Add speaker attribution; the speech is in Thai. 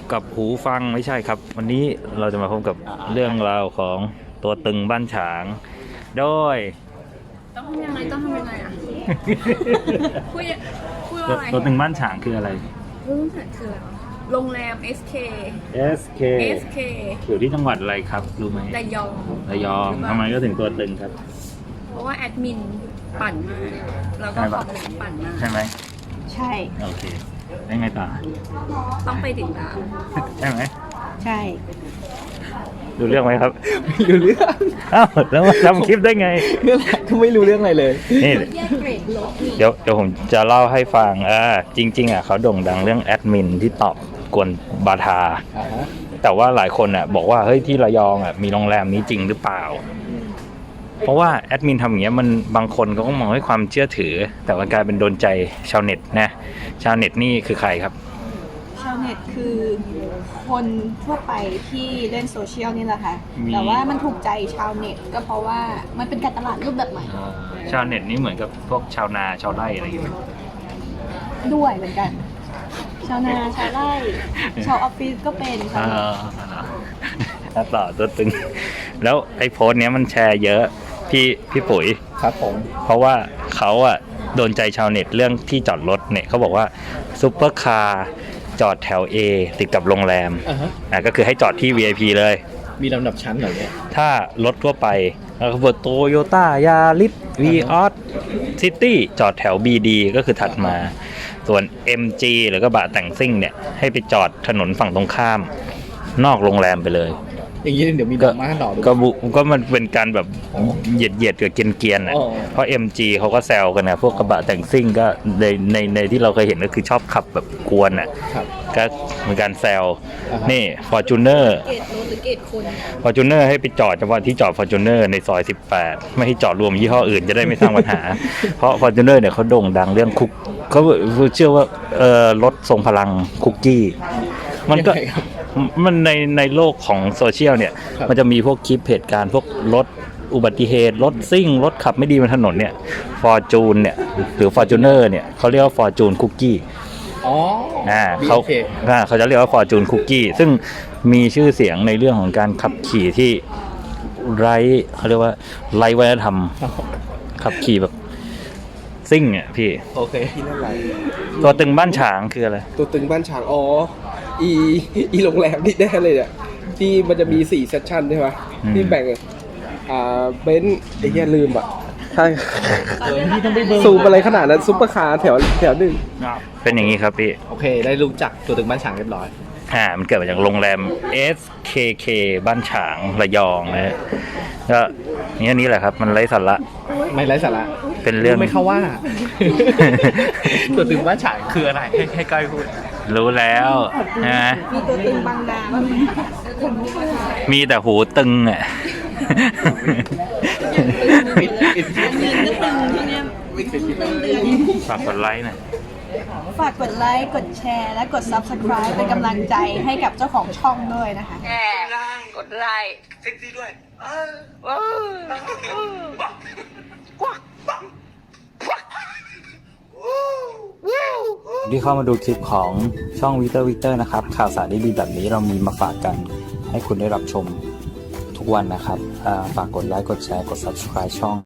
Speaker 1: กับหูฟังไม่ใช่ครับ วันนี้เราจะมาพบกับเรื่องราวของตัวตึงบ้านฉางโดย
Speaker 2: ต้องทำยังไงอ่ะ พูดว่าอะไร
Speaker 1: ตัวตึงบ้านฉางคืออะไร
Speaker 2: รู้สึกคืออะไรโรงแรม SK
Speaker 1: SK อยู่ที่จังหวัดอะไรครับรู้ไหม
Speaker 2: ระยอง
Speaker 1: ระยองทำไมก็ถึงตัวตึงครับ
Speaker 2: เพราะว่าแอดมินปั่นมากแล้วก็คอมเมนต์ปั่นมาก
Speaker 1: ใช่ไหม
Speaker 2: ใช่
Speaker 1: โอเคได้ไงต่อ
Speaker 2: ต้องไปติดตาม
Speaker 1: ใช่ไหม
Speaker 2: ใช่
Speaker 1: ดูเรื่องไหมครับ
Speaker 3: ไม่รู้เรื่อง
Speaker 1: อ้าวแล้วมาทำคลิปได้ไง
Speaker 3: นั่นแหละก็ไม่รู้เรื่องอะไรเลย
Speaker 1: นี่
Speaker 2: แยกเกรดลบนี่
Speaker 1: เดี๋ยวผมจะเล่าให้ฟังจริงๆเขาโด่งดังเรื่องแอดมินที่ตอบกวนบาทา แต่ว่าหลายคนบอกว่าเฮ้ยที่ระยองมีโรงแรมนี้จริงหรือเปล่า เพราะว่าแอดมินทำอย่างเงี้ยมันบางคนก็มองให้ความเชื่อถือ แต่ว่ากลายเป็นโดนใจชาวเน็ตนะชาวเน็ตนี่คือใครครับ
Speaker 4: ชาวเน็ตคือคนทั่วไปที่เล่นโซเชียลนี่แหละค่ะ
Speaker 1: มี
Speaker 4: แต่ว่ามันถูกใจชาวเน็ตก็เพราะว่ามันเป็นการตลาดรูปแบบใหม่
Speaker 1: ชาวเน็ตนี่เหมือนกับพวกชาวนาชาวไร่อะไรอย่างเงี้ย
Speaker 4: ด้วยเหมือนกัน ชาวนาชาวไร่ชาวออฟฟิศก็เป็นชาวเน็ต
Speaker 1: ต่อตัวตึง แล้วไอ้โพสต์เนี้ยมันแชร์เยอะพี่ปุ๋ย
Speaker 3: ครับผม
Speaker 1: เพราะว่าเขาโดนใจชาวเน็ตเรื่องที่จอดรถเนี่ยเขาบอกว่าซุปเปอร์คาร์จอดแถว A ติดกับโรงแรม ก็คือให้จอดที่ VIP เลย
Speaker 3: มีลำดับชั้นเหรอเนี่ย
Speaker 1: ถ้ารถทั่วไปแล้วก็โตโยต้ายาริสวีออสซิตี้จอดแถว BD ก็คือถัดมา ส่วน MG หรือกระบะแต่งซิ่งเนี่ยให้ไปจอดถนนฝั่งตรงข้ามนอกโรงแรมไปเลย
Speaker 3: อย่างนี้เดี๋ยวมีดราม่าหน่อด้วย
Speaker 1: ก็มันเป็นการแบบเหยียดกับเกรียนๆ
Speaker 3: อ๋อ
Speaker 1: เพราะ MG เขาก็แซวกันนะพวกกระบะแต่งซิ่งก็ในที่เราเคยเห็นก็คือชอบขับแบบกวน
Speaker 3: ครับ
Speaker 1: ก็เหมือนการแซว
Speaker 3: อ่าฮะ
Speaker 1: นี่ Fortuner
Speaker 4: เกตรถหรือเกตคน
Speaker 1: Fortuner ให้ไปจอดเฉพาะที่จอด Fortuner ในซอย 18 ไม่ให้จอดรวมยี่ห้ออื่นจะได้ไม่สร้างปัญหา เพราะ Fortuner เนี่ยเขาโด่งดังเรื่องคุกเขาเชื่อว่ารถทรงพลังคุกกี้มันก็
Speaker 3: ยังไงครับ
Speaker 1: มันในโลกของโซเชียลเนี่ย
Speaker 3: ครับ
Speaker 1: มันจะมีพวกคลิปเหตุการณ์พวกรถอุบัติเหตุรถซิ่งรถขับไม่ดีบนถนนเนี่ยฟอร์จูนเนี่ยหรือฟอร์จูเนอร์เนี่ยเขาเรียกว่าฟอร์จูนคุกกี้
Speaker 3: อ๋อ
Speaker 1: เขา
Speaker 3: BK
Speaker 1: เขาจะเรียกว่าฟอร์จูนคุกกี้ซึ่งมีชื่อเสียงในเรื่องของการขับขี่ที่เขาเรียกว่าไร้วัฒนธรรมขับขี่แบบซิ่งพี่
Speaker 3: โอเคที่นั่นไร
Speaker 1: ตัวตึงบ้านฉางคืออะไร
Speaker 5: ตัวตึงบ้านฉางอีโรงแรมนี่แน่เลยเนี่ยที่มันจะมี4เซสชั่นใช่ไหมที่แบ่งเบนซ์ไอ้เหี้ยลืมอ่ะใช่
Speaker 3: พี่ต้องไปเบิร์
Speaker 5: ซูมอะไรขนาดนั้นซุปเปอร์คาร์แถวหนึ่ง
Speaker 1: เป็นอย่างนี้ครับพี่
Speaker 3: โอเค ได้รู้จักตัวตึงบ้านฉางเรียบร้อย
Speaker 1: มันเกิดมาจากโรงแรม SKK บ้านฉางระยองนะฮะก็นี่แหละครับมันไร้สาระ
Speaker 3: ไม่ไร้สาระ
Speaker 1: เป็นเรื่อง
Speaker 3: ไม่เข้าว่า ตัวตึงบ้านฉางคืออะไรให้ก้อยพูด
Speaker 1: รู้แล้วนะ
Speaker 4: มีตัวตึงบางนาบ้างไหม
Speaker 1: มีแต่หูตึง
Speaker 4: อันเงินก็ตึงที่เนี้ยตึงเดือน
Speaker 1: ฝากกดไลค์หน่อย
Speaker 4: ฝากกดไลค์ กดแชร์ และกด Subscribe เป็นกำลังใจให้กับเจ้าของช่องด้วยนะคะ
Speaker 2: กดไลค์
Speaker 1: ที่เข้ามาดูคลิปของช่องวิเตอร์นะครับข่าวสารดีๆแบบนี้เรามีมาฝากกันให้คุณได้รับชมทุกวันนะครับฝากกดไลค์กดแชร์กด Subscribe ช่อง